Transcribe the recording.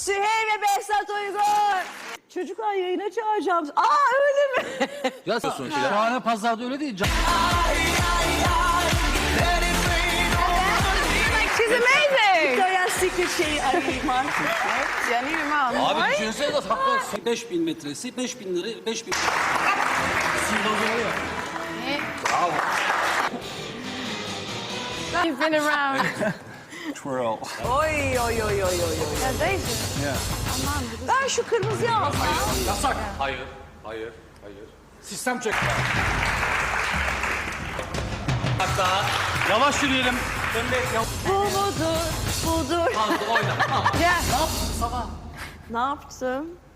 Süheyl ve Behzat Uygur. Çocuklar yayına çağıracağım. Aa öyle mi? Ya şahane pazarda öyle değil. She's amazing. Victoria's Secret şeyi arayayım artık. Jenny Mom. Abi düşünsene de haklı. 5000 metresi, 5000 lira, 5000... You've been around. Twirl. Oy oy oy oy oy. Yeah. Ben şu kırmızıyı alsam. Yasak. Hayır, hayır, hayır. Sistem çek. Hatta yavaş yürüyelim. Bu budur, budur. Fazla oyna. Yeah. Ne yaptın sabah? Ne yaptım?